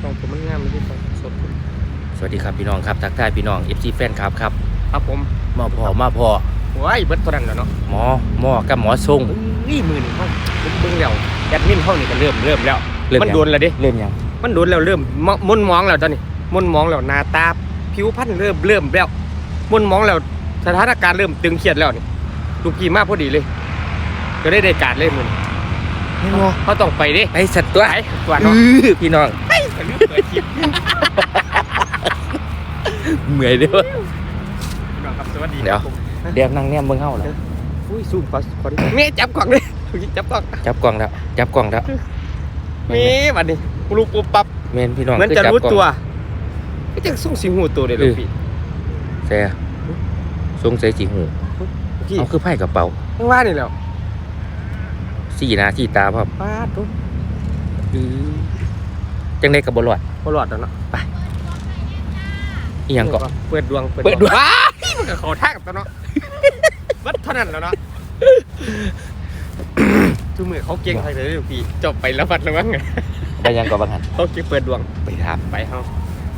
ของผมมันงามมันที่สดสวัสดีครับพี่น้องครับทักทายพี่น้อง FC แฟนครับครับผมมาพอโอ้ยเบิดตัวนั้นแล้วเนาะหมอกับหมอทรงนี่มือนี่เขาผมเบิ่งแล้วแอดมินเขานี่ก็เริ่มแล้วมันโดนแล้วดิเริ่มยังมันโดนแล้วเริ่มมุนมองแล้วตอนนี้มุนมองแล้วหน้าตาผิวพรรณเริ่มแล้วมุนมองแล้วสถานการณ์เริ่มตึงเครียดแล้วนี่ลูกพี่มาพอดีเลยก็ได้การเลยมึงเขาต้องไปดิไอ้สัตว์ตัวเนาะพี่น้องเปิดคลิปเหนื่อยเด้อครับสวัสดีเดี๋ยวนั่งแนมเบิ่งเฮาแล้วอุ้ยซูมขอดิแม่จับกล่องเลยจับกล่องแล้วมีบัดนี้ลูกปุ๊บปั๊บเมนพี่น้องเหมือนจะรู้ตัวก็จะส่งสิงหูตัวเลยลูกพี่แซ่สงสัยสิหูเอาคือไพ่กระเป๋าไม่ว่านี่แล้ว 4 นาทีตาพ่อป้าตุ๊บจังได้กับบอลอดแล้วเนาะไปอีหยังก็เปิดดวงว้ามันก็ขอทักตัวเนาะวัดเท่านั้นแล้วเนาะทุกมือเขาเก่งใครเลยพี่จบไปแล้ววัดแล้วมั้งไงไปยังก็บางหันเขาเก่งเปิดดวงไปถามไปเขา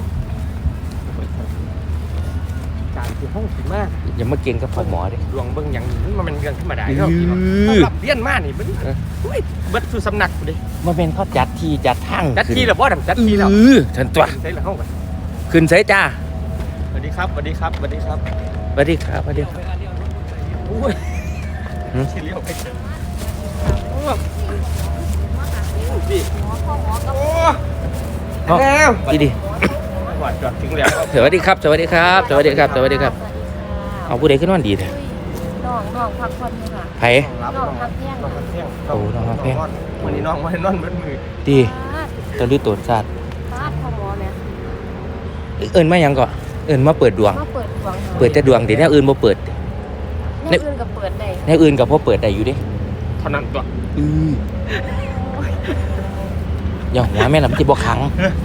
การที่ห้องสิมากอย่ามาเก่งกับพ่อหมอดิดวงเบิ้งอย่างนี้มันเรื่องธรรมดาเนาะพี่เนาะรับเลี้ยนมากนี่เบิ้งเบิ้งสู่สำนักดิมันเป็นเขาจัดที่จัดทางจัดที่หรือว่าจัดที่แล้วฉันตัวใช่แล้วเข้าไปขึ้นใส่จ้าสวัสดีครับโอ้ยเลี้ยวไปแล้วดีหวานจอดถึงแล้วสวัสดีครับเอาผู้ใดขึ้นวันดีเถอะน้องพักผ่อนค่ะไผ่น้องพักเที่ยงโอ้น้องพักเที่ยงวันนี้น้องไม่นอนเบิดมือดีตอนดูตัวสัตว์ป้าพ่อหมอเนี่ยเอิญมายังก่อนเอิญมาเปิดดวงเปิดแต่ดวงเดี๋ยวแนวอื่นบ่เปิดแนวอื่นกับเปิดได้แนวอื่นกับพ่อเปิดได้อยู่ดิเท่านั้นตัวอย่าหัวแม่ลำที่บ่ขัง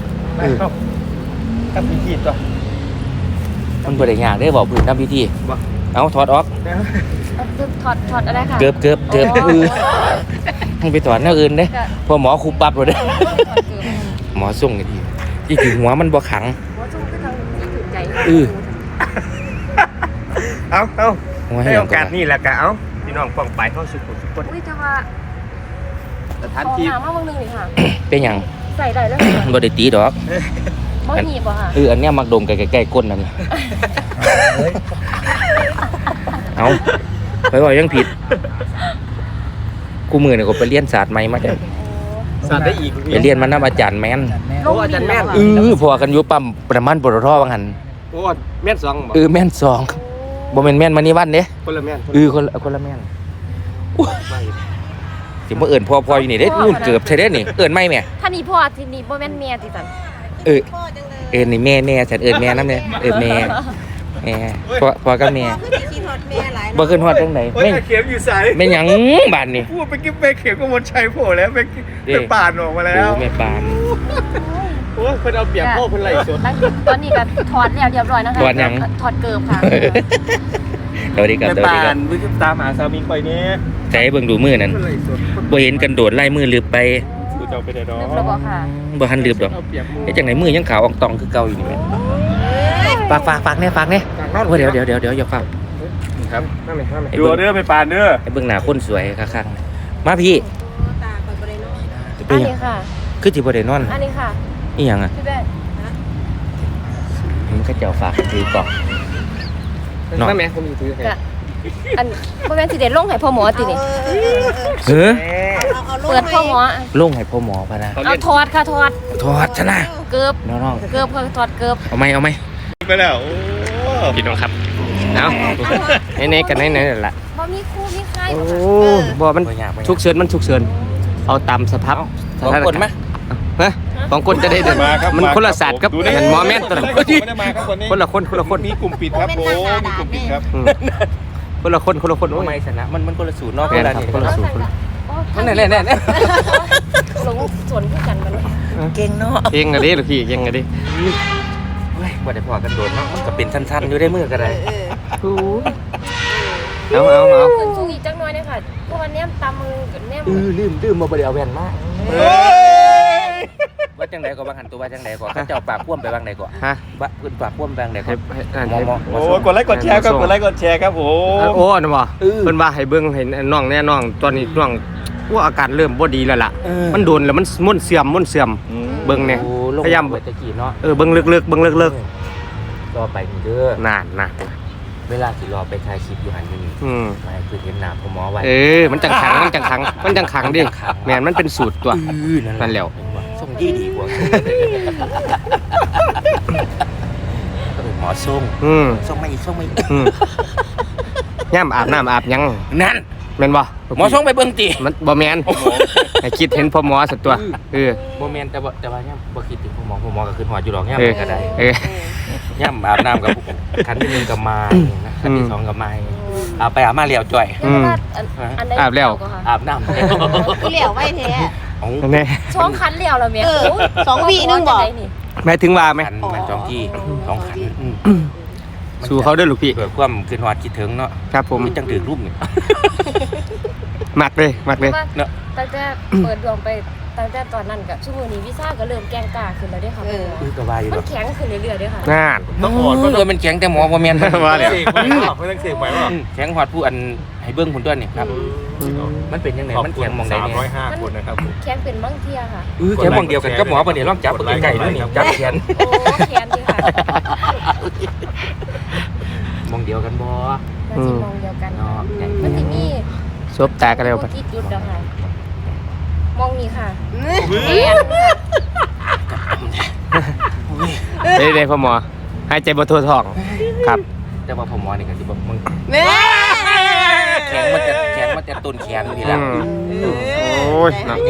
ทำพิธีตัวมันบ่ได้ยากได้บอกพื้นทำพิธีเอาถอดออกถอดอะไรค่ะเกือบให้ไปถอดแนวอื่นเด้พอหมอคูปั๊บเลยเด้หมอส่งดีที่ถึงหัวมันบ่ขังเอาให้โอกาสนี่แหละกะเอาพี่น้องป้องไปเข้าสุขุสุขคนจะว่าสถานที่มาบางนึงนี่ค่ะเป็นหยังใส่ได้แล้วบ่ได้ตีดอกบ่หนีบค่ะอันเนี้ยมักดมใกล้ๆก้นนั่นนี่เอาไปว่ายังผิดกูมือเนี่ยก็ไปเรียนศาสตร์ใหม่มาจ้ะศาสตร์ได้อีกไปเรียนมานำอาจารย์แม่นโอ้อาจารย์แม่นพอกันอยู่ปั๊มประมาณปตทว่างั้นโอ้แม่น2บ่แม่น2บ่แม่นแม่นมานี่วันเด้คนละแม่นคนละแม่นสิบ่เอิ้นพ่ออยู่นี่เด้นู่นเกือบใช่เด้นี่เอิ้นไม่แม่ถ้านี่พ่อที่นี่บ่แม่นแม่ติซั่นนี่แม่ฉันแม่นำเด้แม่พ่อกับแม่บ่ขึ้นฮอดจังได๋แม่เข็มอยู่ไสแม่หยังบาดนี่พูดไปกิ๊บแม่เข็มก็มนชัยโผล่แล้วไปปานออกมาแล้วแม่ปานโอ้เพิ่นเอาเปรียบพ่อเพิ่นไหลสดตอนนี้ก็ถอดแล้วเรียบร้อยนะคะถอดหยังถอดเกิบค่ะสวัสดีครับปานมึงตามหาสามีข่อยนี่ใจเบิ่งดูมือนั่นบ่เห็นกันโดดไล่มือลืบไปกูจะเอาไปได้ดอกแล้วบ่ค่ะบ่ทันลืบดอกเฮ็ดจังได๋มือยังขาวอ่องตองคือเก่าอยู่นี่แม่ฝากเนี่ยว่าเดี๋ยวอย่าฝากครับนั่นเลยดูเด้อไปปานเด้อไอ้เบิ่งหน้าคนสวยคักๆมาพี่ตาบ่ได้นอนอันนี้ค่ะคือสิบ่ได้นอนอันนี้ค่ะอีหยังอ่ะพี่แบ๊มันก็เจ้าฝากถือกล่องน้องแม่ผมอยู่ถือให้อันบ่แม่นสิได้ลงให้พ่อหมอตินี่เปิดพ่อหมอลงให้พ่อหมอป่ะนะเอาถอดค่ะถอดชนะเกือบน้องเกือบถอดเกือบเอาไหมไปแล้วพี่น้องครับเอาไหนกันไหนล่ะบ่มีครูมีใครโอ้บ่มันฉุกเฉินเอาตามสภาพของคนมั้ยฮะของคนจะได้เดินมันคนละศาสตร์กับหมอแม่นตัวนั้นคนละคนมีกลุ่มปิดครับผมมีกลุ่มปิดครับคนละคนโอ้ยชนะมันคนละสูตรเนาะคนละสูตรมันแน่ลงสวนคู่กันมันเก่งเนาะเก่งอะดิลูกพี่เก่งอะดิบ่ได้พอกันโดนเนาะมันก็เป็นสั้นๆอยู่ได้มือก็ได้เอาขึ้นสูงอีกจักหน่อยเนี่ยค่ะเพราะวันนี้ตามมือกับแนมลืมมาบ่ได้เอาแว่นมาว่าจังไดก็บางหันตัวว่าจังไดก็เขาเจ้าปากพ่วมไปบางใดก็ฮะบะเพิ่นปากพ่วมบางใดก็ให้โอ้กดไลค์กดแชร์ครับกดไลค์กดแชร์ครับผมโอ้น่ะบ่เพิ่นว่าให้เบิ่งให้น้องแน่น้องตอนนี้น้องว่าอาการเริ่มบ่ดีแล้วล่ะมันโดนแล้วมันม่วนเสื่อมเบิ่งเนี่ยโอ้ลงพยายามเบิดตะกี้เนาะเบิ่งลึกๆเบิ่งลึกรอไปนี่เด้อๆนั่นเวลาสิรอไปถ่ายคลิปอยู่หันอยู่นี่ ไม่คือเห็นหน้าพ่อหมอไว้มันจังขังดิแม่นมันเป็นสูตรตัว นั่นแหละส่งดีกว่าก็เป็นหมอส่ง ส่งมาอีกส่งมาอีกย่ามอาบน้ำอาบหยังนั่นแม่นบ่หมอส่งไปเบิ่งติมันบ่แม่นให้คิดเห็นพ่อหมอสักตัวบ่แม่นแต่ว่าย่ำบ่คิดถึงพ่อหมอก็คือหอดอยู่ดอกย่ำก็ได้ ย่ำอาบน้ำกับคันที่หนึ่งกับมานะคันที่สองกับมาอาบไปอาบมาเลี้ยวจ่อยอาบแล้วอาบน้ำที่เหลียวไว้แท้แน่ช่องคันเลี้ยวแล้วแม่ 2 วินึงบ่แม่ถึงว่าไหมขันมัน2ที่2ขันสู่เขาเด้อลูกพี่เกิดความคืนหอดคิดถึงเนาะครับผมจังถือรูปนี่มักเลยตั้งแต่เปิดดวงไปตั้งแต่ตอนนั้นกับชั่วโมงนี้วีซ่าก็เริ่มแกงกาขึ้นแล้วด้วยค่ะก็ว่าอยู่มัเนาะนแข็งขึ้นเรื่อยๆด้วยค่ะน่านต้องอ่อนเออมันแข็งแต่หมอบ่แม่นว่าแล้วไม่ต้องเสกไหวป่ะแข็งหอดผู้อันให้เบิ่งผลตัวนี่ครับ มันเป็นยังไงมันแข็งมองใดเนี่ย 305 คนนะครับผมแข็งเป็นบางเทียค่ะแข็งมองเดียวกันกับหมอปะเนี่ยลองจับตัวไก่ด้วยนี่จับแขนโอ้แข็งดีค่ะมองเดียวกันบ่เราจะมองเดียวกันเนาะมันจะมีซบตากันแล้วปะที่จุดนะคะมองนี่ค่ะได้พ่อหมอหายใจบ่ทั่วท้องครับแต่ว่าผมหมอนี่ก็สิบอกมึงแม่แข็งมันจะต้นแขนนี่ละโอ้ยหนัก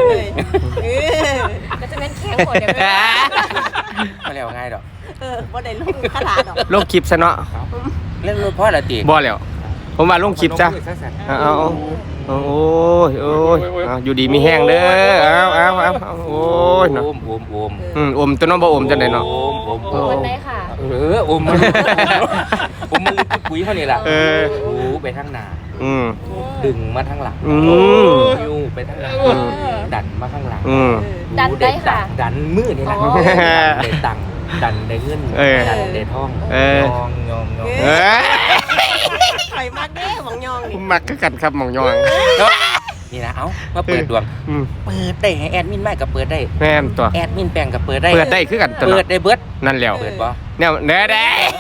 ก็จะเป็นแข็งกว่าเดียวกันไม่แล้วง่ายดอกบ่ได้ลงขนาดดอกลงคลิปซะเนาะเรื่องรถพ่อละตีบ่แล้วผมว่าลงคลิปซะเอาอยู่ดีมีแห้งเด้อเอาโอ้ยโอเนาะมอมตัวน้องบ่อมจังได๋เนาะโอมวันไหนค่ะโอมมันปุ๋ยเขานี่ล่ะหูไปทางหน้าดึงมาทางหลังยูไปทางหลังดันมาข้างหลังดันได้ค่ะดันมือนี่แหละได้ตังดันได้เงินดันได้ทองยองไข่มักเด้หมองยองนี่มักคือกันครับหม่องยองนี่นะเอ้ามาเปิดดวงเปิดได้ให้แอดมินไม่ก็เปิดได้แม่นตัวแอดมินแปลงก็เปิดได้เปิดได้คือกันตัวเปิดได้เบิดนั่นแล้วเปิดบ่แนวได้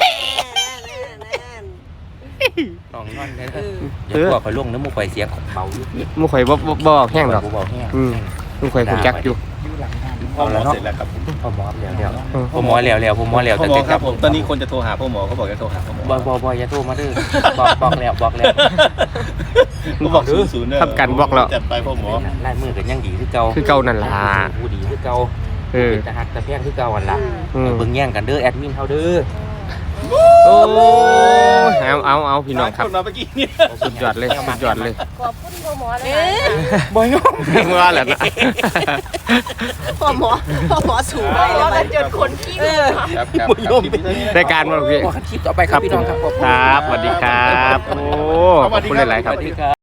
น้องนอนได้อย่าตัวข่อยลงน้ำมูกข่อยเสียงเบาอยู่มูข่อยบ่แห้งดอกเบาแห้งมูข่อยฮู้จักอยู่พอหมอเสร็จแล้วครับผมพ่อหมอแล้วพ่อหมอแล้วพ่อหมอแล้วพ่อหมอครับผมตอนนี้คนจะโทรหาพ่อหมอเขาบอกจะโทรหาพ่อหมอบ่อย่าโทรมาเด้อบอกแล้วเขาบอก00เนี่ยทำกันบอกแล้วจัดไปพ่อหมอลายมือกันยังดีคือเก่าคือเก่านั่นล่ะผู้ดีคือเก่าเป็นตาหักตาแพงคือเก่าอันล่ะเบิ่งแย่งกันเด้อแอดมินเฮาเด้อโอ้เอาพี่น้องครับคนมาเมื่อกี้เนี่ยสุดยอดเลยขอบคุณพ่อหมอเลยบ่ยอมว่าแหละนะพ่อหมอสูงไปแล้วมันจนคนขี้มือครับรายการมาพี่คลิปต่อไปครับพี่น้องครับครับสวัสดีครับโอ้ขอบคุณหลายๆครับสวัสดีครับ